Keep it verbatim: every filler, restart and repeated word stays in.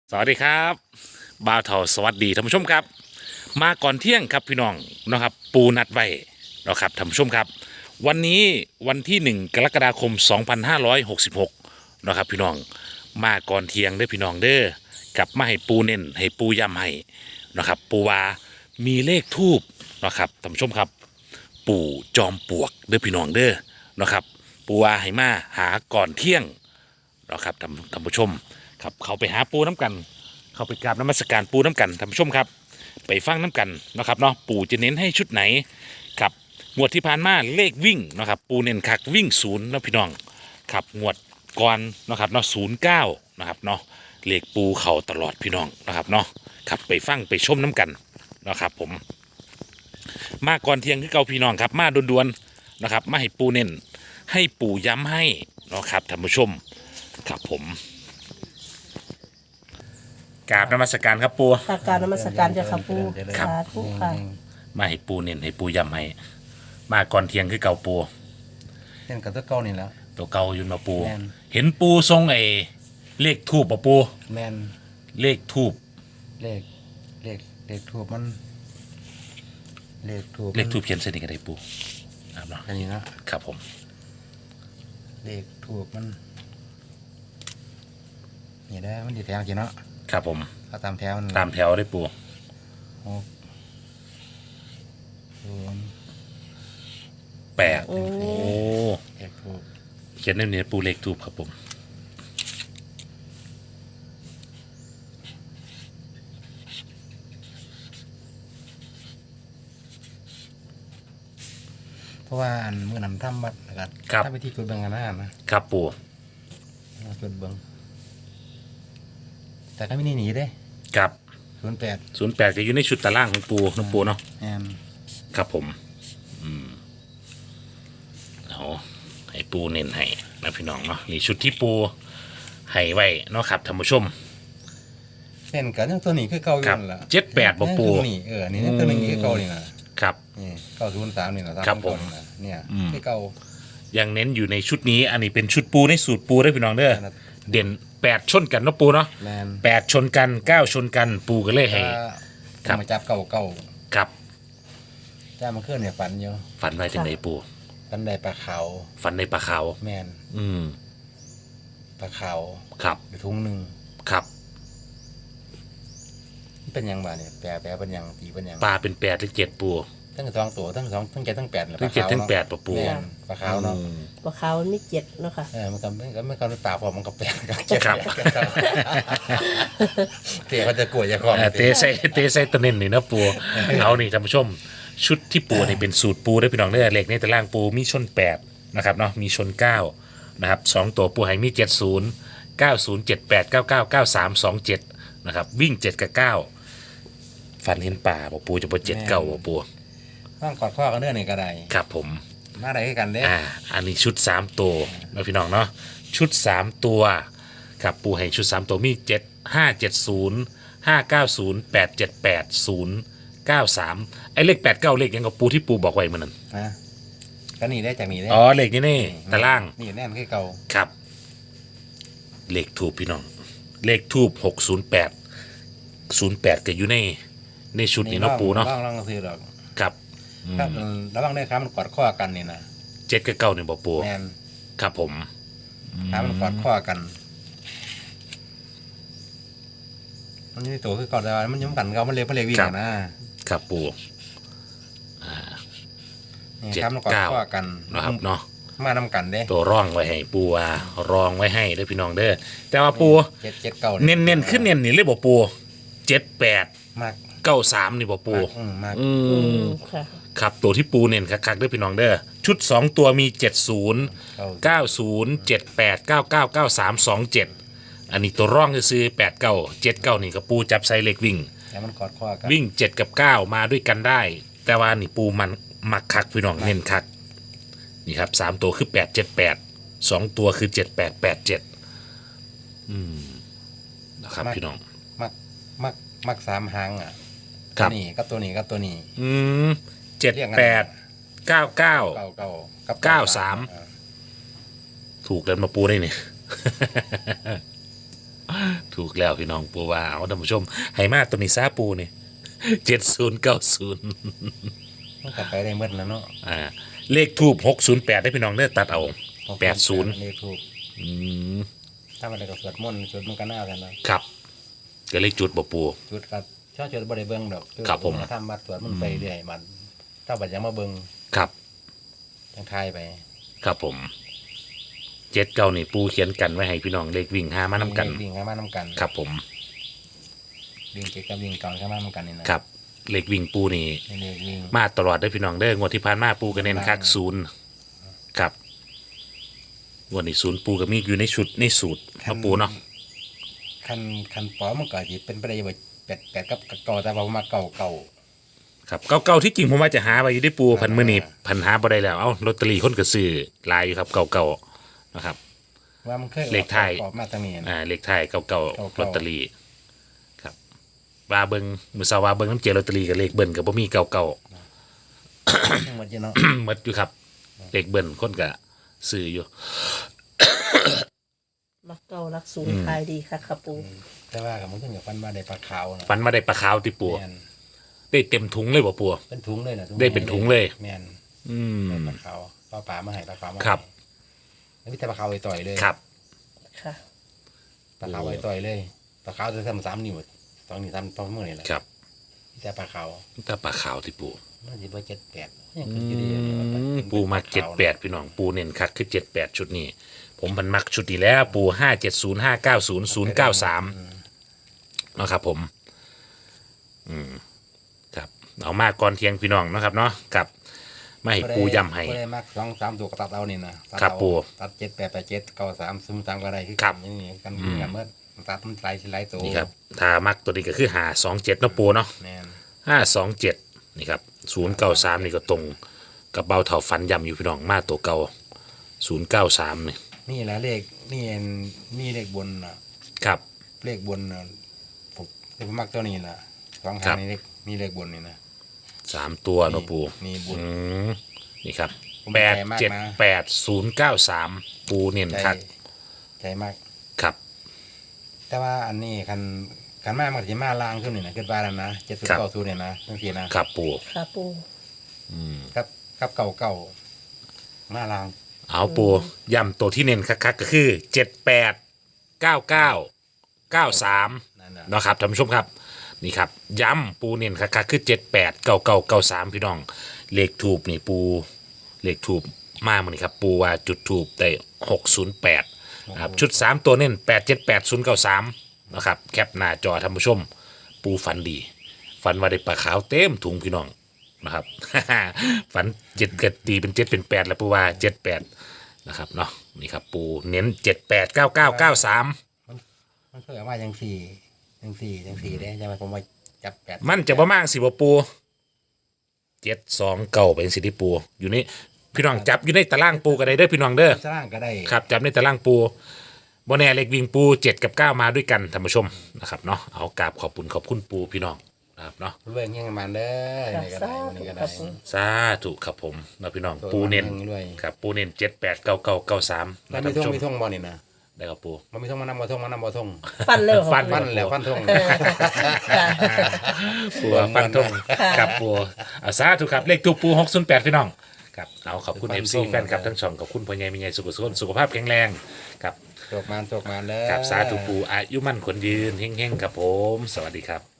สวัสดีครับบ่าวเถาสวัสดีท่านผู้ชมครับมาก่อนเที่ยงครับพี่น้องนะครับปูนัดไว้นะครับท่านผู้ชมครับวันนี้วันที่หนึ่งกรกฎาคมสองพันห้าร้อยหกสิบหกนะครับพี่น้องมาก่อนเที่ยงเด้อพี่น้องเด้อกลับมาให้ปูเน้นให้ปูย้ำให้นะครับปูวามีเลขทูบนะครับท่านผู้ชมครับปู่จอมปลวกเด้อพี่น้องเด้อนะครับปูวาให้มาหาก่อนเที่ยงนะครับท่านท่านผู้ชมครับเขาไปหาปูน้ำกัน เขาไปกราบนมัสการปูน้ำกันท่านผู้ชมครับไปฟังน้ำกันนะครับเนาะปู่จะเน้นให้ชุดไหนครับงวดที่ผ่านมาเลขวิ่งนะครับปูเน้นคักวิ่งศูนย์นะพี่น้องครับงวดก่อนนะครับเนาะศูนย์เก้านะครับเนาะเลขปูเข่าตลอดพี่น้องนะครับเนาะครับไปฟังไปชมน้ำกันนะครับผมมาก่อนเที่ยงคือเก่าพี่น้องครับมาด่วนๆนะครับมาให้ปูเน้นให้ปู่ย้ำให้นะครับท่านผู้ชมครับผมกราบนมัสการครับปูค่ะกรารนมัสการเจ้าค่ะปูครับสาธุค่ะมาให้ปูเน้นให้ปูย้ำให้มาก่อนเที่ยงคือเก่าปูเล่นกับตัวเก่านี่แหล้วตัวเก่าอยู่มาปูแม่นเห็นปูทรงไอ้เลขทูบปะปูแมนเลขทูบเลขเลขเลขถูกมัน เลขถูกเลขทูบเขียนเส้นนี้ก็ได้ปูครับเนาะอันนี้นะครับผมเลขถูกมันนี่ได้มันดีแถวจริงเนาะครับผมเอาตามแถวมันตามแถวได้ปูหกศูนย์แปดโอ้โอ้เลขถูกเขียนในนี้ปูเลขทูบครับผมเพราะว่าอันเมื่อนำทำบัตรนะครับถ้าไปที่จุดเบิ้งกันนะนะครับปูจุดเบิ้งแต่ก็ไม่หนีหนีเด้ครับศูนย์แปดศูนย์แปดก็อยู่ในชุดตารางของปูน้องปูเนาะแมนครับผมอืมเอาให้ปูเน้นให้นะพี่น้องเนาะนี่ชุดที่ปูให้ไว้เนาะครับท่านผู้ชมเล่นกันยังตัวนี้คือเก่าอยู่นั่นแหละครับเจ็ดแปดบ่ปู่ยังตัวนี้เออนี่ยังตัวนี้คือเก่านี่นะครับนี่เก้าศูนย์สามนี่นะครับผมเนี่ยอืมที่เก่ายังเน้นอยู่ในชุดนี้ อันนี้เป็นชุดปูในสูตรปูได้อพี่น้องเด้อครับเด่นแปดชนกันเนาะปูเนาะแมนแปดชนกันเก้าชนกันปูก็เลยให้ ครัถ้าบมาจับเก่าเก่าครับจ้ามันเคลื่อนเนี่ยฝันอยู่ฝันไว้ถึงไหนปูฝันได้ปลาขาวฝันในปลาขาวแมนอืมปลาขาวครับอยู่ทุ่งหนึ่งครับมันเป็นหยังบ้าเนี่ยแปลแปลเป็นหยังตีเป็นหยังปลาเป็นแปดหรือเจ็ดปูทั้งสองตัวทั้งสองทั้งเจ็ดทั้งแปดน่ะทั้งเจ็ดปลาขาวทั้งแปดเนาะปะปูแม่นปลาขาวเนาะอืมปลาขาวมีเจ็ดเนาะค่ะเออมันก็มันก็มันก็เป็นปลาพอมันก็แปลกับเจ็ดครับแปดกับเตี๋ยเขาจะกลัวจะคล้องเอ่อเตะใส่เตะใส่ตะเน้นนี่นะปูเอานี่ท่านผู้ชม ชุดที่ปูนี่เป็นสูตรปูได้อพี่น้องเด้อเลขในตารางปูมีชนแปดนะครับเนาะมีชนเก้านะครับสองตัวปูให้มีเจ็ดศูนย์เก้าศูนย์เจ็ดแปดเก้าเก้าเก้าสามสองเจ็ดนะครับวิ่งเจ็ดกับเก้าฟันเห็นป่าบอกปูจะปเจ็ดเก้าบอกปูต้องกอดข้อกันเนื้อนี่ก็ได้ครับผมมาได้คือกันเด้อ่าอันนี้ชุดสามตัวนะพี่น้องเนาะชุดสามตัวครับปูให้ชุดสามตัวมีเจ็ดห้าเจ็ดศูนย์ห้าเก้าศูนย์แปดเจ็ดแปดศูนย์เก้าสามไอ้เลขแปดเก้าเลขยังกับปูที่ปูบอกไว้เหมือนนั้นนะก็นี่ได้จากนี่ได้อ๋อเลขนี้นี่ตารางนี่แน่นคือเก่าครับ เลขทูบพี่น้อง เลขทูบหกศูนย์แปดศูนย์แปดก็อยู่ในในชุดนี้เนาะปูเนาะลองลองซื้อดอกครับอืมครับระวังได้ครับมันกอดข้อกันนี่นะเจ็ดกับเก้าเนี่ยบอกปูแมนครับผมครับมันกอดข้อกัน มันอยี่ตัวคือเก่าแต่ว่ามันย้ำกันเก่ามันเล็กมันเล็กวิ่งอะนะครับปูนี่เจ็ดครับมันกอดเก้าข้อกันนะครับเนาะมานำกันเด้ตัวร่องไว้ให้ปูว่ารองไว้ให้เด้อพี่น้องเด้อแต่ว่าปูเจ็ดเจ็ดเก่าเน้นเน้นๆขึ้นเน้นนี่เลยบอกปูเจ็ดแปดมากเก้าสามนี่บอกปูมากอืมมากอือืมมค่ะครับตัวที่ปูเน้นคักๆเด้อพี่น้องเด้อชุดสองตัวมีเจ็ดศูนย์เก่าเก้าศูนย์เจ็ดแปดเก้าเก้าเก้าสามสองเจ็ดอันนี้ตัวร่องจะซื้อแปดเก้าเจ็ดเก้านี่กับปูจับไซเล็กวิ่งแล้วมันกอดข้อกันวิ่งเจ็ดกับเก้ามาด้วยกันได้ แต่ว่านี่ปูมันมักคักพี่น้องเน้นคักนี่ครับสามตัวคือแปดเจ็ดแปดสองตัวคือเจ็ดแปดแปดเจ็ดอืมนะครับพี่น้องมักมักมักสามหางอ่ะครับตัวนี้กับตัวนี้กับตัวนี้อืมเจ็ดแปดเก้าเก้าเก่าเก่ากับเก้าสามเออถูกแล้วมาปูได้เนี่ยถูกแล้วพี่น้องปูว่าเอาท่านผู้ชมให้มาตัวนี้ซาปูนี่เจ็ดศูนย์เก้าศูนย์มันกลับไปได้เมื่อแล้วเนาะอ่าเลขทูบหกศูนย์แปดได้พี่น้องเด้อตัดเอาแปดศูนย์เลขถูกอืมถ้ามันได้ก็สวดมนต์สวดมันต์ก็น่ากันนะครับก็เลขจุดบ่ปูจุดก็ชอบจุดบ่ได้เบิ่งดอกครับผมทำบัดสวดมันต์ไปเรื่อยมันถ้าบัดยังมาเบิ่งครับจังทายไปครับผมเจ็ดเก้านี่ปูเขียนกันไว้ให้พี่น้องเลขวิ่งห้ามานํกันวิ่งข้ามานำกันครับผมวิ่งเก็บกับวิ่งเก่าข้ามานำกันนี่นะครับเลขวิ่งปูนี่นี่เลขวิ่งมาตลอดได้อพี่น้องเด้องวดที่ผ่านมาปูก็เน้นคักศูนย์ครับงวดนี้ศูนย์ปูก็มีอยู่ในชุดในสูตรเนาะปูเนาะคันคันปอมันก็สิเป็นไปได้บ่แปดแปดกับเก่าแต่ว่ามาเก่าเก่าครับเก่าๆที่จริงผมว่าจะหาไว้อยู่ได้ปูพันมือนี่พันหาบ่ได้แล้วเอ้าลอตเตอรี่คนก็ซื้อหลายอยู่ครับเก่าๆนะครับว่ามันเคยออกเลขไทยออกมาทางนี้นะอ่าเลขไทายเก่าๆเก่าๆลอตเตอรี่ครับว่าเบิงมือสาวว่าเบิงน้ำเจลอตเตอรี่กับเลขเบิ้ลกับบ่มีเก่าหมดอยู่เนาะๆ หมดอยู่ครับเลขเบิ้ลคนก็ซื้ออยู่มักเก่ารักศูนย์ขายดีค่ะค่ะปูแต่ว่ากับมันถึงกับฟันมาได้ปลาขาวนะฟันมาได้ปลาขาวติปูแม่นได้เต็มถุงเลยบ่ปูเป็นถุงเลยนะได้เป็นถุงเลยแม่นอืมได้ปลาขาวปลาปลามาให้ปลาขาวมาให้ครับแล้วมีแต่ปลาขาวไอ้ต่อยเลยครับค่ะปลาขาวไอ้ต่อยเลยปลาขาวจะทำสามนิ้วสองนิ้วทำสองมือนี่แหละครับมีแต่ปลาขาวถ้าปลาขาวติปูมันสิบ่เจ็ดแปดยังขึ้นอยู่ดีอันนี้ว่าเป็นปูมาเจ็ดแปดพี่น้องปูเน้นคักคือเจ็ดแปดชุดนี้ ผมพันมักชุดนี้แล้วปูห้าเจ็ดศูนย์ห้าเก้าศูนย์ศูนย์เก้าสามนะครับผม อืมครับเอามาก่อนเที่ยงพี่น้องเนาะครับเนาะกับไม่ให้ปูย้ำให้บ่ได้มักสองสามตัวก็ตัดเอานี่นะตัดครับเอาปูตัดเจ็ดแปดแปดเจ็ดเก้าสามศูนย์สามก็ได้คือครับกันนี่กันกันเมื่อตัดมันไล่สิไล่ตัวนี่ครับถ้ามักตัวนี้ก็คือหาสองเจ็ดเนาะปูเนาะแม่นห้าสองเจ็ดนี่ครับศูนย์เก้าสามนี่ก็ตรงกับเบาเถาฟันย้ำอยู่พี่น้องมาตัวเก่าศูนย์เก้าสามนี่นี่แหละเลขนี่เอ็นนี่เลขบนน่ะครับเลขบนน่ะผมผมมักตัวนี้น่ะสองครัหางบนี่เลขนี่เลขบนนี่นะสามตัวเนาะปูนี่บุญอืมนี่ครับผมแปดใจมากนะเจ็ดแปดศูนย์เก้าสามปูเน้นใจคักใจมากครับแต่ว่าอันนี้คันคันมามันจะมาล่างขึ้นนี่นะขึ้นบ้านแล้วนะเจ็ดศูนย์เก้าศูนย์เนี่ยนะทั้งทีนะครับปูค่ะปูครับครับเก่าเก่ามาล่างเอาปูย้ำตัวที่เน้นคักๆก็คือเจ็ดแปดเก้าเก้าเก้าสามนั่นน่ะนะครับท่านผู้ชมครับนี่ครับย้ำปูเน้นคักๆคือเจ็ดแปดเก้าเก้าเก้าสามพี่น้องเลขถูกนี่ปูเลขถูกมากมันนี่ครับปูว่าจุดถูกได้หกศูนย์แปดนะครับชุดสามตัวเน้นแปดเจ็ดแปดศูนย์เก้าสามนะครับแคปหน้าจอท่านผู้ชม ปูฝันดี ฝันว่าได้ปลาขาวเต็มถุงพี่น้องนะครับ ฝันเจ็ดเกิดตีเป็นเจ็ดเป็นแปดแล้วปูว่าเจ็ดแปดนะครับเนาะนี่ครับปูเน้นเจ็ดแปดเก้าเก้าเก้าสามมันเคยเอามาจังสี่จังสี่จังสี่ได้ใช่ไหมผมว่าจับแปดมันจะประมาณสิบปูเจ็ดสองเก่าเป็นสิที่ปูอยู่นี่พี่น้องจับอยู่ในตารางปูกันได้เด้อพี่น้องเด้อสร้างก็ได้ครับจับในตารางปูบนแน่เล็กวิ่งปูเจ็ดกับเก้ามาด้วยกันท่านผู้ชมนะครับเนาะเอากราบขอบคุณขอบคุณปูพี่น้องนะครับเนาะรวยเงี้ยงมันเด้อค่ะนี่ก็สาได้ธุนี่ก็ค่ะได้ปูสาธุครับผมนะพี่น้องปูเน้นรวยครับปูเน้นเจ็ดแปดเก้าเก้าเก้าสามมันะนท่ามีนท่องผู้ชมมีท่องบ่นี่นะได้ครับปูมันมีท่องมานำบ่ท่องมานำบ่ท่องฟันเลยเหรอฟันฟันแล้วฟันท่องค่ะปูฟันธงครับปูอาสาธุครับเลขทูปปูหกศูนย์แปดพี่น้องครับเอาขอบคุณเอฟซีแฟนครับทั้งสองขอบคุณพ่อใหญ่แม่ใหญ่สุขสุขสุขภาพแข็งแรงครับโชคมานโชคมานเด้อกับสาธุปูอายุมั่นคนยืนเฮงๆครับผม สวัสดีครับ